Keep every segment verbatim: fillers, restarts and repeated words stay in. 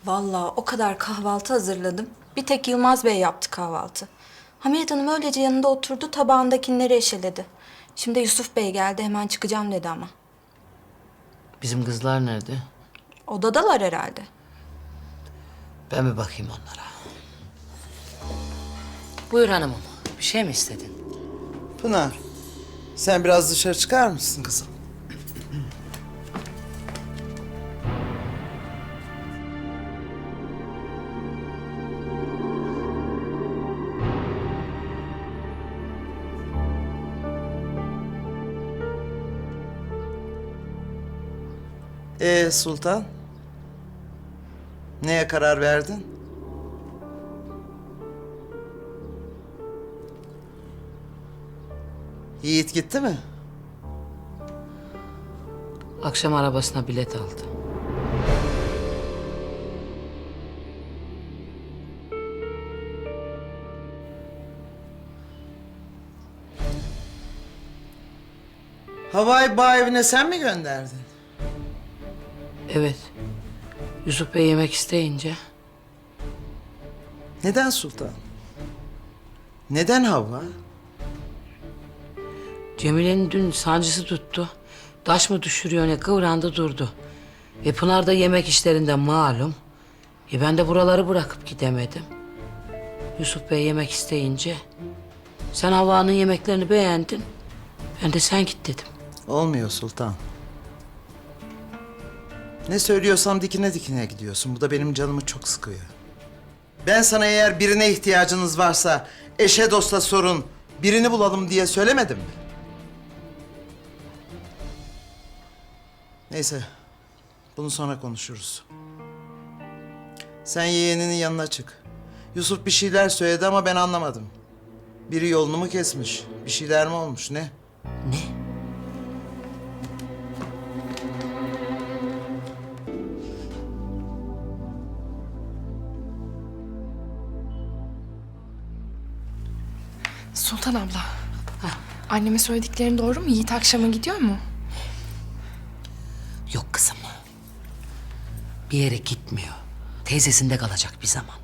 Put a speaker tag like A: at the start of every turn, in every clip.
A: Vallahi o kadar kahvaltı hazırladım. Bir tek Yılmaz Bey yaptı kahvaltı. Hamiyet Hanım öylece yanında oturdu, tabağındakileri eşeledi. Şimdi Yusuf Bey geldi, hemen çıkacağım dedi ama.
B: Bizim kızlar nerede?
A: Odadalar herhalde.
B: Ben bir bakayım onlara. Buyur hanımım. Bir şey mi istedin?
C: Pınar, sen biraz dışarı çıkar mısın kızım? Ee Sultan? Neye karar verdin? Yiğit gitti mi?
B: Akşam arabasına bilet aldı.
C: Havai bağ evine sen mi gönderdin?
B: Evet. Yusuf Bey yemek isteyince
C: Neden Sultan? Neden Havva?
B: Cemile'nin dün sancısı tuttu. Taş mı düşürüyor ne kıvrandı durdu. E Pınar da yemek işlerinden malum. E ben de buraları bırakıp gidemedim. Yusuf Bey yemek isteyince sen Havva'nın yemeklerini beğendin. Ben de sen git dedim.
C: Olmuyor Sultan. Ne söylüyorsam dikine dikine gidiyorsun. Bu da benim canımı çok sıkıyor. Ben sana eğer birine ihtiyacınız varsa eşe dosta sorun, birini bulalım diye söylemedim mi? Neyse, bunu sonra konuşuruz. Sen yeğeninin yanına çık. Yusuf bir şeyler söyledi ama ben anlamadım. Biri yolunu mu kesmiş, bir şeyler mi olmuş, ne?
B: Ne?
D: Sultan abla. Annemin söylediklerin doğru mu? Yiğit akşama gidiyor mu?
B: Yok kızım. Bir yere gitmiyor. Teyzesinde kalacak bir zaman.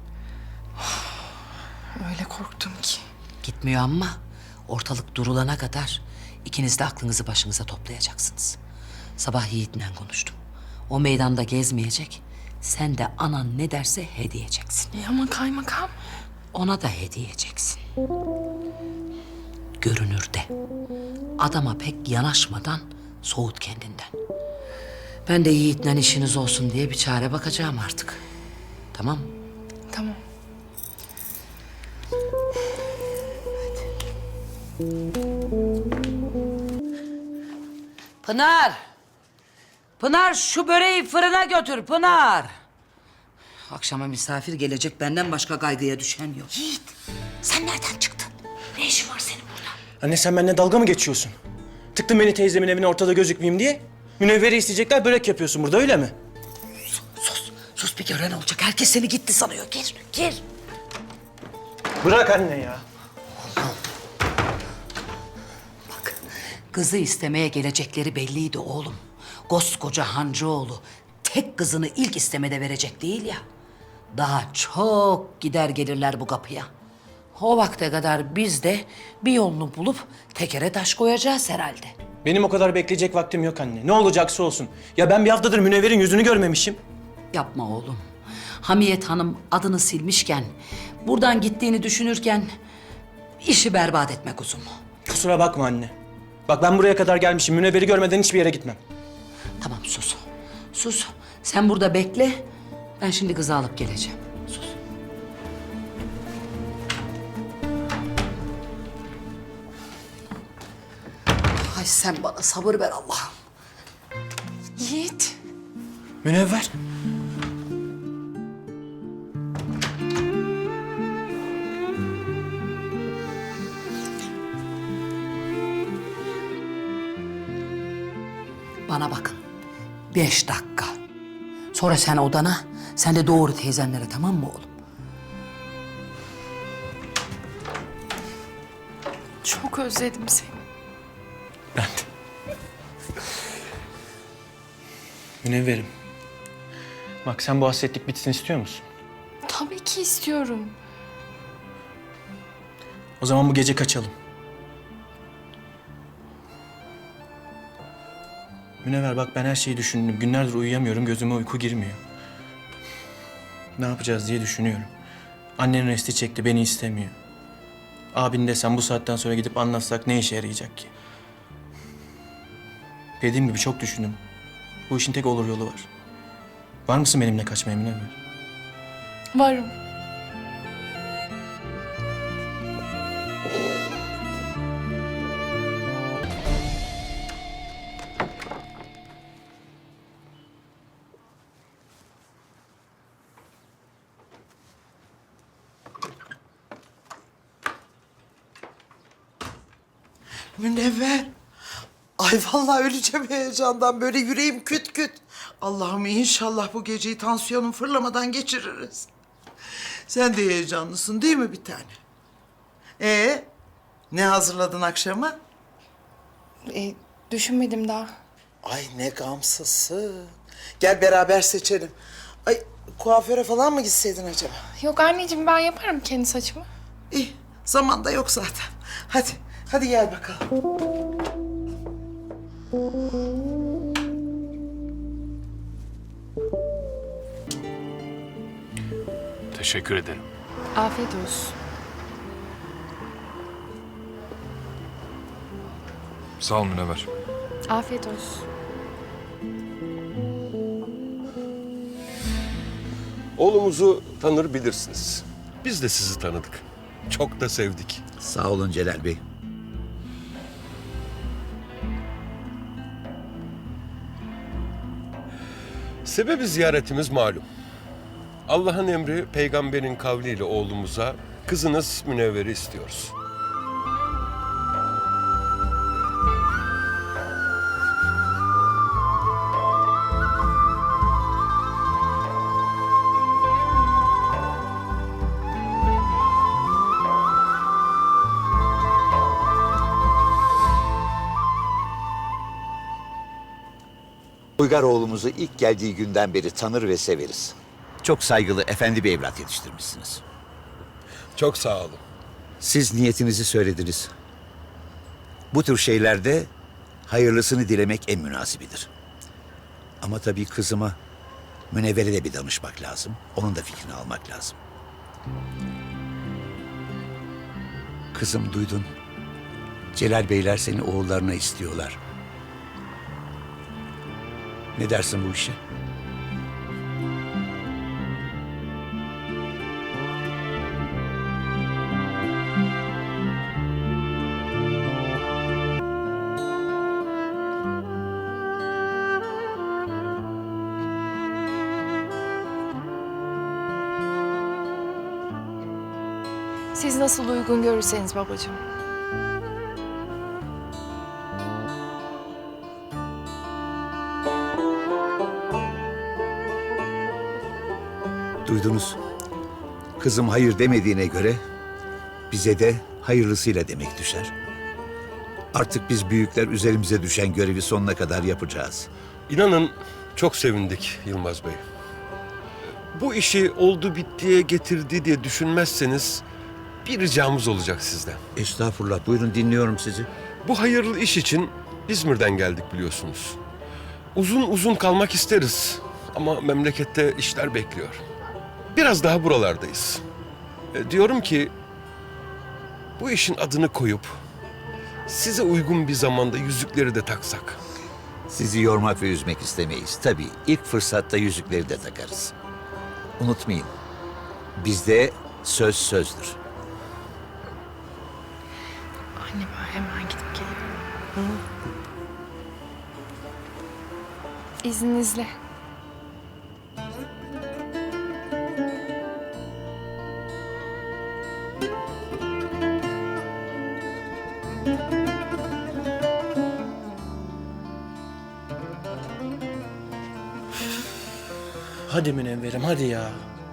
D: Öyle korktum ki.
B: Gitmiyor ama ortalık durulana kadar ikiniz de aklınızı başınıza toplayacaksınız. Sabah Yiğit'le konuştum. O meydanda gezmeyecek. Sen de anan ne derse hediyeceksin.
D: E ama kaymakam.
B: Ona da hediyeceksin. Görünürde. Adama pek yanaşmadan soğut kendinden. Ben de Yiğit'le işiniz olsun diye bir çare bakacağım artık. Tamam mı?
D: Tamam.
B: Pınar! Pınar şu böreği fırına götür Pınar! Akşama misafir gelecek, benden başka kaygıya düşen yok. Yiğit, sen nereden çıktın? Ne işin var senin burada?
E: Anne sen benimle dalga mı geçiyorsun? Tıktın beni teyzemin evine ortada gözükmeyeyim diye. Münevveri isteyecekler, börek yapıyorsun burada, öyle mi?
B: Sus, sus bir gören olacak. Herkes seni gitti sanıyor. Gir, gir.
E: Bırak anne ya.
B: Bak, kızı istemeye gelecekleri belliydi oğlum. Koskoca Hancıoğlu tek kızını ilk istemede verecek değil ya. Daha çok gider gelirler bu kapıya. O vakte kadar biz de bir yolunu bulup tekere taş koyacağız herhalde.
E: Benim o kadar bekleyecek vaktim yok anne. Ne olacaksa olsun. Ya ben bir haftadır Münevver'in yüzünü görmemişim.
B: Yapma oğlum. Hamiyet Hanım adını silmişken, buradan gittiğini düşünürken işi berbat etme kuzum.
E: Kusura bakma anne. Bak ben buraya kadar gelmişim. Münevver'i görmeden hiçbir yere gitmem.
B: Tamam sus. Sus. Sen burada bekle. Ben şimdi kızı alıp geleceğim. Sus. Ay sen bana sabır ver Allah'ım.
D: Yiğit.
E: Münevver.
B: Bana bakın. Beş dakika. Sonra sen odana, sen de doğru teyzenlere, tamam mı oğlum?
D: Çok özledim seni.
E: Ben de. Münevverim. Bak sen bu hasretlik bitsin istiyor musun?
D: Tabii ki istiyorum.
E: O zaman bu gece kaçalım. Münevver bak ben her şeyi düşündüm. Günlerdir uyuyamıyorum, gözüme uyku girmiyor. Ne yapacağız diye düşünüyorum. Annen resti çekti, beni istemiyor. Abin desem bu saatten sonra gidip anlatsak ne işe yarayacak ki? Dediğim gibi çok düşündüm. Bu işin tek olur yolu var. Var mısın benimle kaçmaya Münevver?
D: Varım.
C: Münevver. Ay vallahi öleceğim heyecandan. Böyle yüreğim küt küt. Allah'ım inşallah bu geceyi tansiyonum fırlamadan geçiririz. Sen de heyecanlısın değil mi bir tane? Ee, ne hazırladın akşama?
D: E, düşünmedim daha.
C: Ay ne gamsızsın. Gel beraber seçelim. Ay kuaföre falan mı gitseydin acaba?
D: Yok anneciğim, ben yaparım kendi saçımı.
C: İyi, zaman da yok zaten. Hadi, hadi gel bakalım.
F: Teşekkür ederim.
D: Afiyet olsun.
F: Sağ ol Münevver.
D: Afiyet olsun.
G: Oğlumuzu tanır bilirsiniz. Biz de sizi tanıdık. Çok da sevdik.
H: Sağ olun Celal Bey.
G: Sebebi ziyaretimiz malum. Allah'ın emri peygamberin kavliyle oğlumuza kızınız Münevver'i istiyoruz.
H: Uygar oğlumuzu ilk geldiği günden beri tanır ve severiz. Çok saygılı, efendi bir evlat yetiştirmişsiniz.
G: Çok sağ olun.
H: Siz niyetinizi söylediniz. Bu tür şeylerde hayırlısını dilemek en münasibidir. Ama tabii kızıma, Münevver'e de bir danışmak lazım. Onun da fikrini almak lazım. Kızım duydun. Celal Beyler seni oğullarına istiyorlar. Ne dersin bu işe?
D: Siz nasıl uygun görürseniz babacığım.
H: Duydunuz. Kızım hayır demediğine göre bize de hayırlısıyla demek düşer. Artık biz büyükler üzerimize düşen görevi sonuna kadar yapacağız.
G: İnanın çok sevindik Yılmaz Bey. Bu işi oldu bittiye getirdi diye düşünmezseniz bir ricamız olacak sizden.
H: Estağfurullah, buyurun dinliyorum sizi.
G: Bu hayırlı iş için İzmir'den geldik biliyorsunuz. Uzun uzun kalmak isteriz ama memlekette işler bekliyor. Biraz daha buralardayız. E, diyorum ki bu işin adını koyup size uygun bir zamanda yüzükleri de taksak.
H: Sizi yormak ve üzmek istemeyiz. Tabii ilk fırsatta yüzükleri de takarız. Unutmayın, bizde söz sözdür.
D: Anne, ben hemen gidip geliyorum. İzninizle.
E: Hadi Münevver'im hadi ya.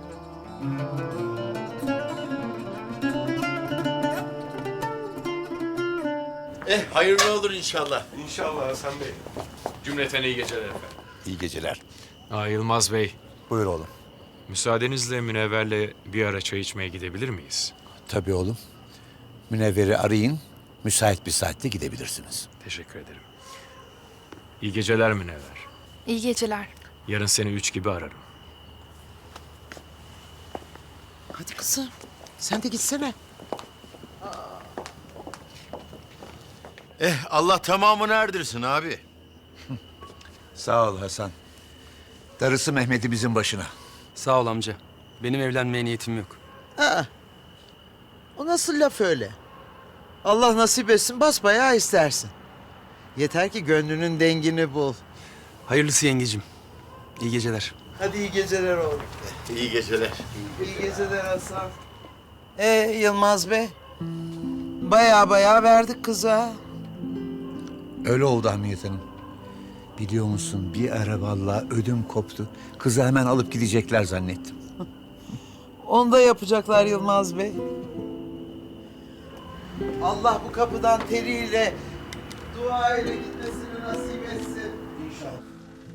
I: Eh hayırlı olur inşallah.
G: İnşallah Hasan Bey.
F: Cümleten iyi geceler efendim.
H: İyi geceler.
F: Aa, Yılmaz Bey,
H: Buyur oğlum.
F: Müsaadenizle Münevver'le bir ara çay içmeye gidebilir miyiz?
H: Tabii oğlum. Münevver'i arayın. Müsait bir saatte gidebilirsiniz.
F: Teşekkür ederim. İyi geceler Münevver.
D: İyi geceler.
F: Yarın seni üç gibi ararım.
C: Hadi kızım. Sen de gitsene.
I: Eh Allah tamamını erdirsin abi.
H: Sağ ol Hasan. Darısı Mehmet'imizin başına.
J: Sağ ol amca. Benim evlenmeye niyetim yok.
C: Aa, o nasıl laf öyle? Allah nasip etsin basbayağı istersin. Yeter ki gönlünün dengini bul.
J: Hayırlısı yengecim. İyi geceler.
C: Hadi iyi geceler oğlum.
I: İyi geceler.
C: İyi geceler Hasan. Ee Yılmaz Bey? Baya baya verdik kıza.
H: Öyle oldu Hamiyet Hanım. Biliyor musun bir ara vallahi ödüm koptu. Kızı hemen alıp gidecekler zannettim.
C: Onu da yapacaklar Yılmaz Bey. Allah bu kapıdan teriyle, dua ile gitmesini nasip etsin. İnşallah.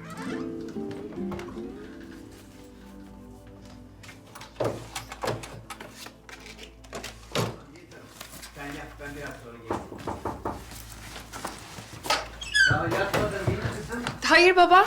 D: Hayır baba.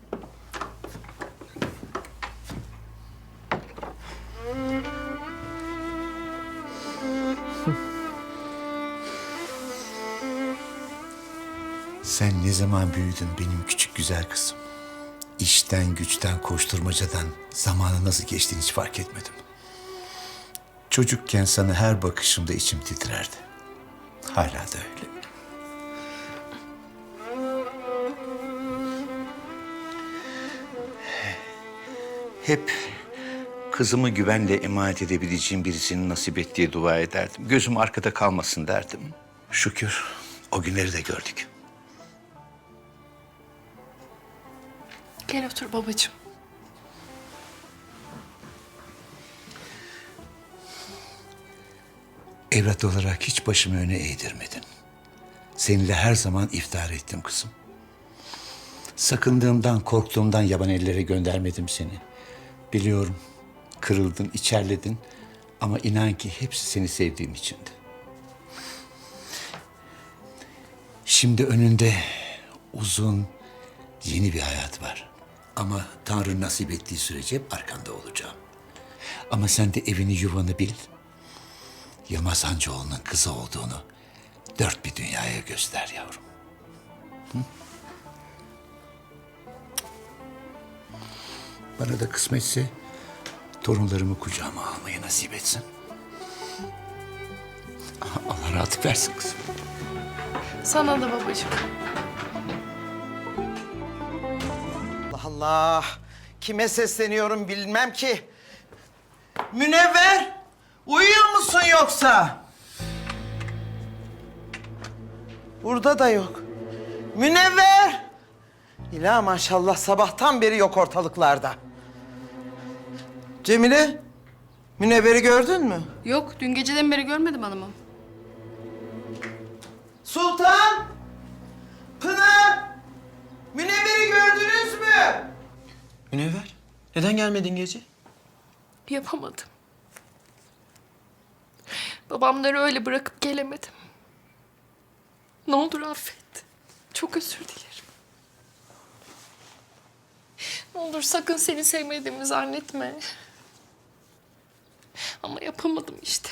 H: Sen ne zaman büyüdün benim küçük güzel kızım? İşten, güçten, koşturmacadan zamanı nasıl geçtiğini hiç fark etmedim. Çocukken sana her bakışımda içim titrerdi. Hala da öyle. Hep kızımı güvenle emanet edebileceğim birisinin nasip ettiği dua ederdim. Gözüm arkada kalmasın derdim. Şükür o günleri de gördük.
D: Gel otur babacığım.
H: Evlat olarak hiç başımı öne eğdirmedin. Seninle her zaman iftihar ettim kızım. Sakındığımdan, korktuğumdan yaban ellere göndermedim seni. Biliyorum, kırıldın, içerledin ama inan ki hepsi seni sevdiğim içindi. Şimdi önünde uzun, yeni bir hayat var. Ama Tanrı nasip ettiği sürece hep arkanda olacağım. Ama sen de evini, yuvanı bil. Yılmaz Hancıoğlu'nun kızı olduğunu dört bir dünyaya göster yavrum. Hı? Bana da kısmetse torunlarımı kucağıma almayı nasip etsin. Allah rahatlık versin kızım.
D: Sana da babacığım.
C: Allah Allah. Kime sesleniyorum bilmem ki. Münevver, uyuyor musun yoksa? Burada da yok. Münevver! İla maşallah sabahtan beri yok ortalıklarda. Cemile, Münevver'i gördün mü?
K: Yok, dün geceden beri görmedim hanımım.
C: Sultan! Pınar! Münevver'i gördünüz mü?
E: Münevver, neden gelmedin gece?
D: Yapamadım. Babamları öyle bırakıp gelemedim. Ne olur affet. Çok özür dilerim. Ne olur sakın seni sevmediğimi zannetme. Ama yapamadım işte.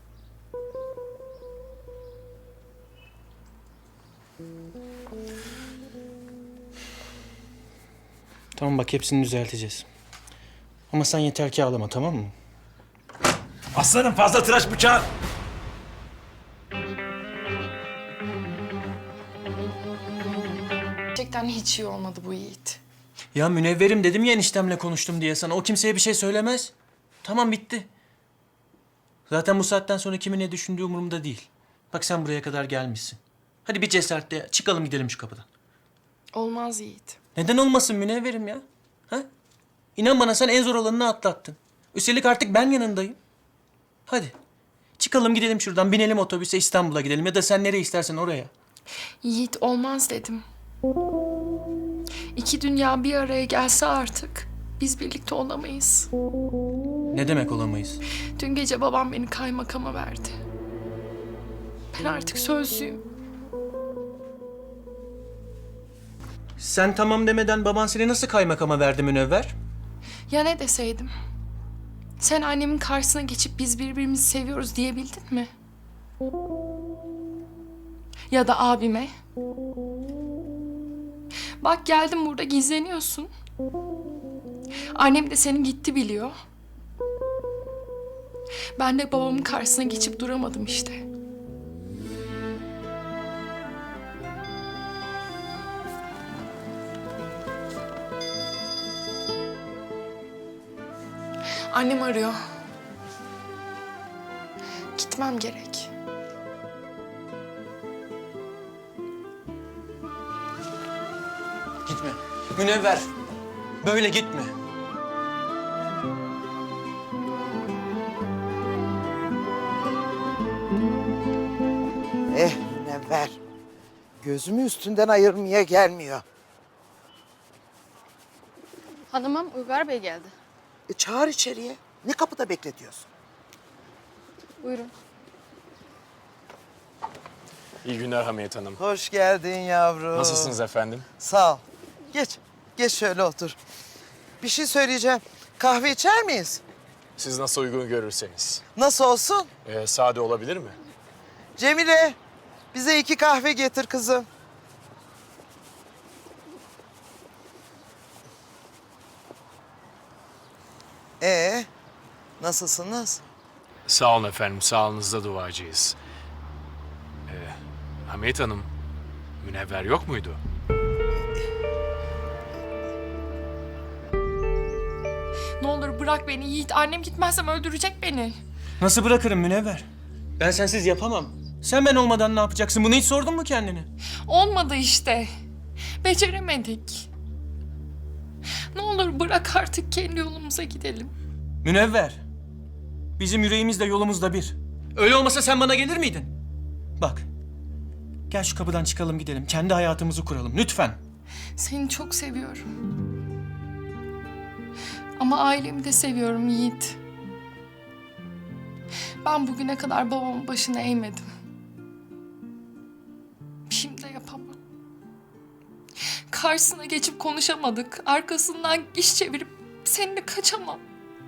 E: Tamam bak hepsini düzelteceğiz. Ama sen yeter ki ağlama, tamam mı?
I: Aslanım fazla tıraş bıçağı.
D: Gerçekten hiç iyi olmadı bu Yiğit.
E: Ya Münevverim dedim ya eniştemle konuştum diye sana. O kimseye bir şey söylemez. Tamam bitti. Zaten bu saatten sonra kimin ne düşündüğü umurumda değil. Bak sen buraya kadar gelmişsin. Hadi bir cesaretle çıkalım gidelim şu kapıdan.
D: Olmaz Yiğit.
E: Neden olmasın Münevverim ya? Ha? İnan bana sen en zor olanını atlattın. Üstelik artık ben yanındayım. Hadi. Çıkalım gidelim şuradan, binelim otobüse İstanbul'a gidelim ya da sen nereye istersen oraya.
D: Yiğit olmaz dedim. İki dünya bir araya gelse artık Biz birlikte olamayız.
E: Ne demek olamayız?
D: Dün gece babam beni kaymakama verdi. Ben artık sözlüyüm.
E: Sen tamam demeden baban seni nasıl kaymakama verdi Münevver?
D: Ya ne deseydim? Sen annemin karşısına geçip biz birbirimizi seviyoruz diyebildin mi? Ya da abime? Bak geldim burada gizleniyorsun. Annem de senin gitti biliyor. Ben de babamın karşısına geçip duramadım işte. Annem arıyor. Gitmem gerek.
E: Gitme. Münevver. Böyle gitme.
C: Eh Münevver. Gözümü üstünden ayırmaya gelmiyor.
K: Hanımım Uygar Bey geldi.
C: E çağır içeriye. Ne kapıda bekletiyorsun?
K: Buyurun.
F: İyi günler Hamiyet Hanım.
C: Hoş geldin yavrum.
F: Nasılsınız efendim?
C: Sağ ol. Geç. Geç şöyle otur. Bir şey söyleyeceğim. Kahve içer miyiz?
F: Siz nasıl uygun görürseniz.
C: Nasıl olsun?
F: Ee, sade olabilir mi?
C: Cemile, bize iki kahve getir kızım. Ee, nasılsınız?
F: Sağ olun efendim, sağlığınızda duacıyız. Ee, Hamiyet Hanım, Münevver yok muydu?
D: Ne olur bırak beni Yiğit. Annem gitmezsem öldürecek beni.
E: Nasıl bırakırım Münevver? Ben sensiz yapamam. Sen ben olmadan ne yapacaksın? Bunu hiç sordun mu kendine?
D: Olmadı işte. Beceremedik. Ne olur bırak artık kendi yolumuza gidelim.
E: Münevver. Bizim yüreğimiz de yolumuz da bir. Öyle olmasa sen bana gelir miydin? Bak. Gel şu kapıdan çıkalım gidelim. Kendi hayatımızı kuralım lütfen.
D: Seni çok seviyorum. Ama ailemi de seviyorum Yiğit. Ben bugüne kadar babamın başına eğmedim. Şimdi de yapamam. Karşısına geçip konuşamadık. Arkasından iş çevirip seninle kaçamam.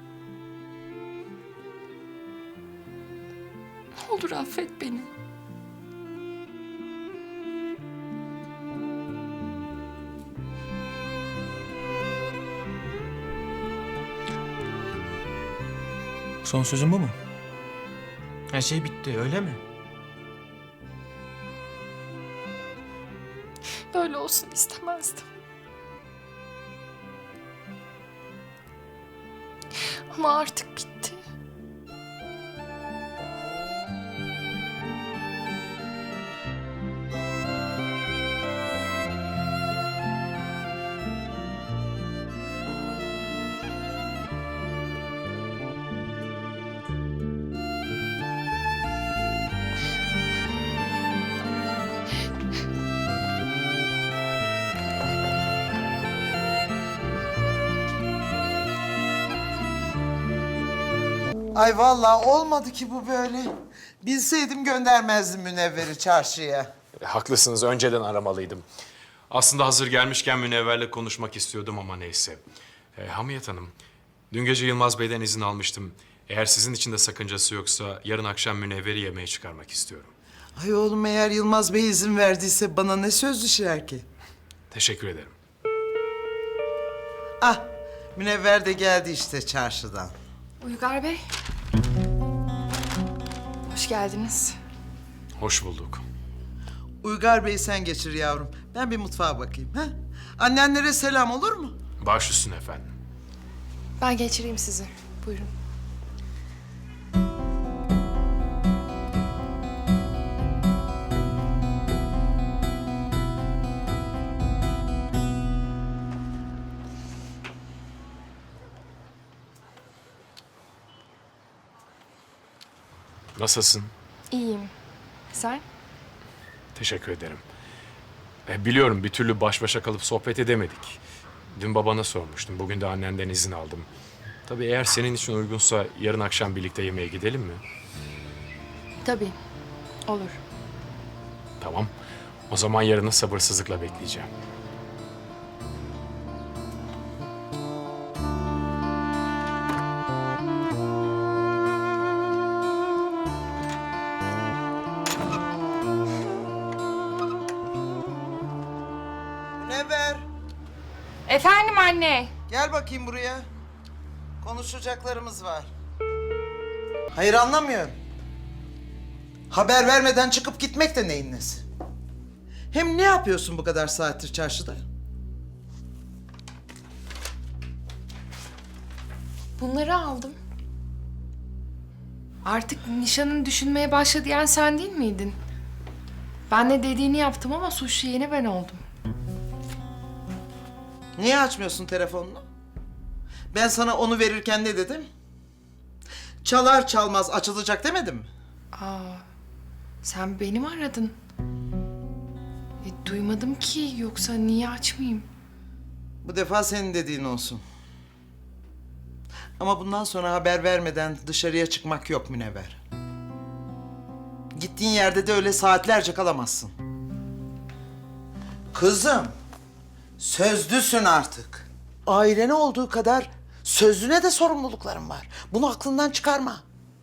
D: Ne olur affet beni.
E: Son sözün bu mu? Her şey bitti öyle mi?
D: Böyle olsun istemezdim. Ama artık bitti.
C: Ay vallahi olmadı ki bu böyle. Bilseydim göndermezdim Münevver'i çarşıya.
F: E, haklısınız, önceden aramalıydım. Aslında hazır gelmişken Münevver'le konuşmak istiyordum ama neyse. E, Hamiyet Hanım, dün gece Yılmaz Bey'den izin almıştım. Eğer sizin için de sakıncası yoksa yarın akşam Münevver'i yemeğe çıkarmak istiyorum.
C: Ay oğlum eğer Yılmaz Bey izin verdiyse bana ne söz düşer ki?
F: Teşekkür ederim.
C: Ah Münevver de geldi işte çarşıdan.
D: Uygar Bey. Hoş geldiniz.
F: Hoş bulduk.
C: Uygar Bey sen geçir yavrum. Ben bir mutfağa bakayım. Ha? Annenlere selam olur mu?
F: Baş üstüne efendim.
D: Ben geçireyim sizi. Buyurun.
F: Nasılsın?
D: İyiyim. Sen?
F: Teşekkür ederim. E, biliyorum bir türlü baş başa kalıp sohbet edemedik. Dün babana sormuştum. Bugün de annenden izin aldım. Tabii eğer senin için uygunsa yarın akşam birlikte yemeğe gidelim mi?
D: Tabii. Olur.
F: Tamam. O zaman yarını sabırsızlıkla bekleyeceğim.
C: Münevver,
A: Efendim anne.
C: gel bakayım buraya. Konuşacaklarımız var. Hayır, anlamıyorum. Haber vermeden çıkıp gitmek de neyin nesi? Hem ne yapıyorsun bu kadar saattir çarşıda?
D: Bunları aldım. Artık nişanını düşünmeye başla diyen sen değil miydin? Ben de dediğini yaptım ama suçlu yeni ben oldum.
C: Niye açmıyorsun telefonunu? Ben sana onu verirken ne dedim? Çalar çalmaz açılacak demedim mi?
D: Aa, sen beni mi aradın? E, duymadım ki, yoksa niye açmayayım?
C: Bu defa senin dediğin olsun. Ama bundan sonra haber vermeden dışarıya çıkmak yok Münevver. Gittiğin yerde de öyle saatlerce kalamazsın. Kızım, sözlüsün artık. Ailene olduğu kadar sözlüne de sorumlulukların var. Bunu aklından çıkarma.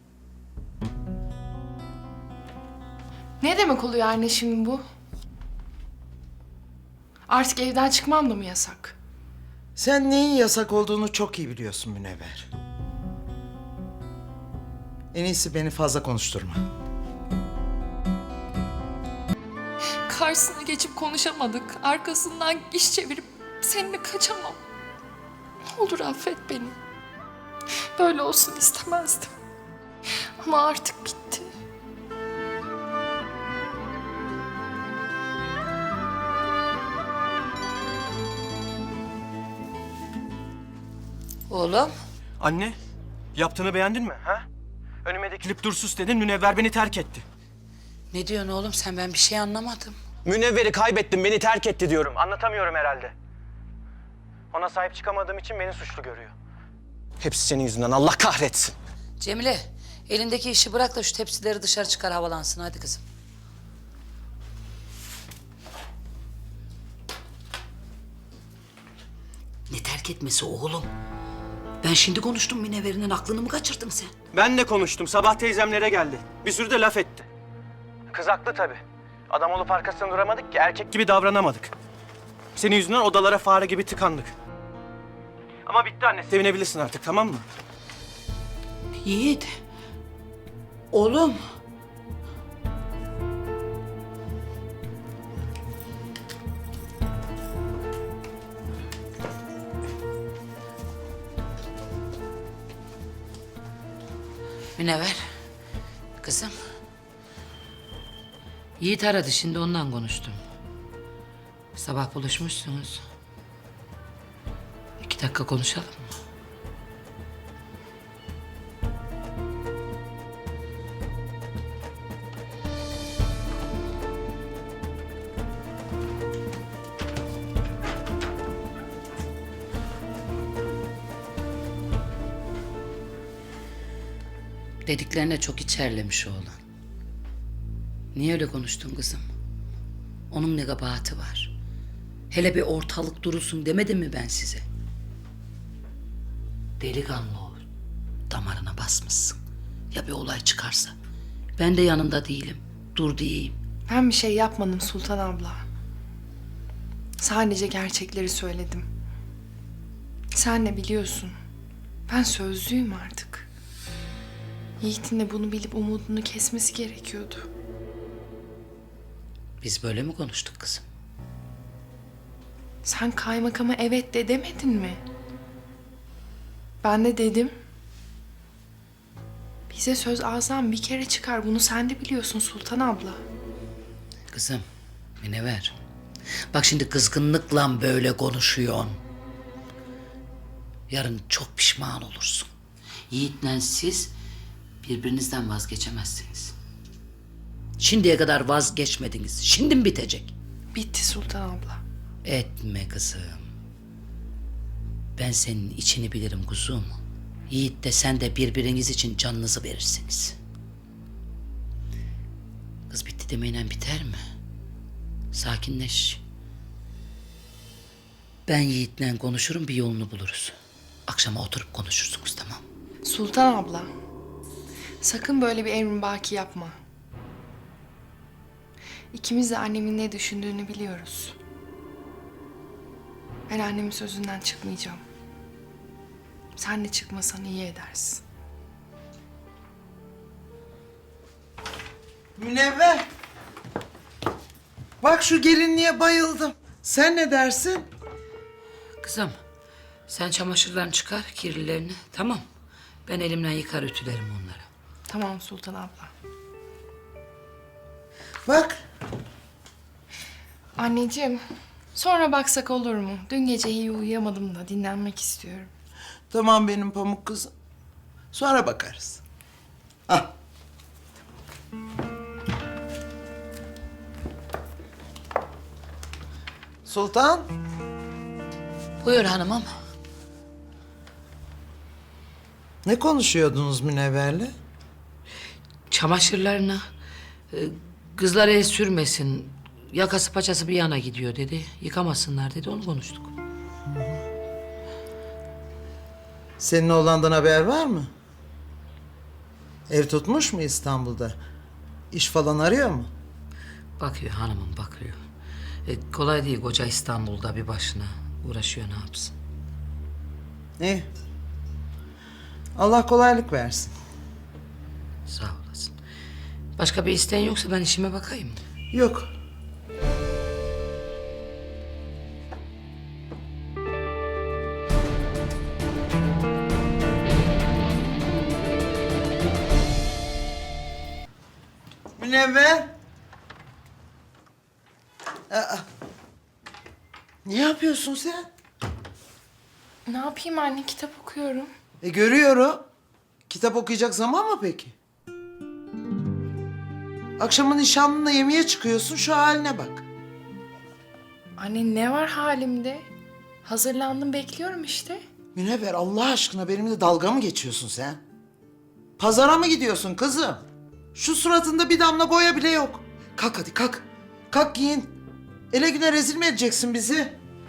D: Ne demek oluyor anne şimdi bu? Artık evden çıkmam da mı yasak?
C: Sen neyin yasak olduğunu çok iyi biliyorsun Münevver. En iyisi beni fazla konuşturma.
D: Karşısına geçip konuşamadık. Arkasından iş çevirip seninle kaçamam. Ne olur affet beni. Böyle olsun istemezdim. Ama artık bitti.
B: Oğlum,
E: Anne, yaptığını beğendin mi? Ha? Önüme dikilip dur sus dedin, Münevver beni terk etti.
B: ne diyorsun oğlum sen? Ben bir şey anlamadım.
E: Münevver'i kaybettim, beni terk etti diyorum. Anlatamıyorum herhalde. Ona sahip çıkamadığım için beni suçlu görüyor. Hepsi senin yüzünden, Allah kahretsin.
B: Cemile, elindeki işi bırak da şu tepsileri dışarı çıkar, havalansın. Hadi kızım. Ne terk etmesi oğlum? Ben şimdi konuştum, Münevver'in aklını mı kaçırdın sen?
E: Ben de konuştum, sabah teyzemlere geldi. Bir sürü de laf etti. Kız haklı tabii. Adam olup arkasında duramadık ki, erkek gibi davranamadık. Senin yüzünden odalara fare gibi tıkandık. Ama bitti anne, sevinebilirsin artık, tamam mı?
B: Yiğit. Oğlum. Münevver. Kızım. Yiğit aradı, şimdi ondan konuştum. Sabah buluşmuşsunuz. İki dakika konuşalım mı? Dediklerine çok içerlemiş oğlan. Niye öyle konuştun kızım? Onun ne kabahati var? Hele bir ortalık durulsun demedim mi ben size? Delikanlı ol. Damarına basmışsın. Ya bir olay çıkarsa? Ben de yanında değilim. Dur diyeyim.
D: Ben bir şey yapmadım Sultan abla. Sadece gerçekleri söyledim. Sen de biliyorsun. Ben sözlüyüm artık. Yiğit'in de bunu bilip umudunu kesmesi gerekiyordu.
B: Biz böyle mi konuştuk kızım?
D: Sen kaymakama evet de demedin mi? Ben de dedim. Bize söz ağızdan bir kere çıkar. Bunu sen de biliyorsun Sultan abla.
B: Kızım, Münevver. Bak şimdi kızgınlıkla böyle konuşuyorsun. Yarın çok pişman olursun. Yiğit'le siz birbirinizden vazgeçemezsiniz. Şimdiye kadar vazgeçmediniz. Şimdi mi bitecek?
D: Bitti Sultan abla.
B: Etme kızım. Ben senin içini bilirim kuzum. Yiğit de sen de birbiriniz için canınızı verirsiniz. Kız bitti demeyle biter mi? Sakinleş. Ben Yiğit'le konuşurum, bir yolunu buluruz. Akşama oturup konuşursunuz, tamam?
D: Sultan abla, sakın böyle bir emribaki yapma. İkimiz de annemin ne düşündüğünü biliyoruz. Ben annemin sözünden çıkmayacağım. Sen de çıkmasan iyi edersin.
C: Münevver. Bak şu gelinliğe bayıldım. Sen ne dersin?
B: Kızım, sen çamaşırlarını çıkar, kirlilerini, tamam. Ben elimden yıkar ütülerim onları.
D: Tamam Sultan abla.
C: Bak.
D: Anneciğim, sonra baksak olur mu? Dün gece iyi uyuyamadım da dinlenmek istiyorum.
C: Tamam benim pamuk kızım. Sonra bakarız. Ah. Sultan.
B: Buyur hanımım.
C: Ne konuşuyordunuz Münevver'le?
B: Çamaşırlarına e, kızlar el sürmesin, yakası paçası bir yana gidiyor dedi. Yıkamasınlar dedi, onu konuştuk.
C: Senin oğlandan haber var mı? Ev tutmuş mu İstanbul'da? İş falan arıyor mu?
B: Bakıyor hanımım, bakıyor. E, kolay değil koca İstanbul'da bir başına uğraşıyor, ne yapsın?
C: İyi. Allah kolaylık versin.
B: Sağ olasın. Başka bir isteğin yoksa ben işime bakayım.
C: Yok. Münevver. Aa. Ne yapıyorsun sen?
D: Ne yapayım anne, kitap okuyorum.
C: E görüyorum. Kitap okuyacak zaman mı peki? Akşamın nişanlınla yemeğe çıkıyorsun, şu haline bak.
D: Anne ne var halimde? Hazırlandım, bekliyorum işte.
C: Münevver, Allah aşkına benimle dalga mı geçiyorsun sen? Pazara mı gidiyorsun kızım? Şu suratında bir damla boya bile yok. Kalk hadi kalk. Kalk giyin. Ele güne rezil mi edeceksin bizi?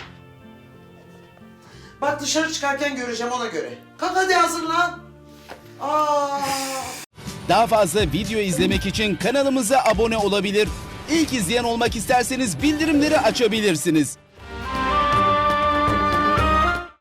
C: Bak dışarı çıkarken göreceğim, ona göre. Kalk hadi, hazırlan. Aa.
L: Daha fazla video izlemek için kanalımıza abone olabilir. İlk izleyen olmak isterseniz bildirimleri açabilirsiniz.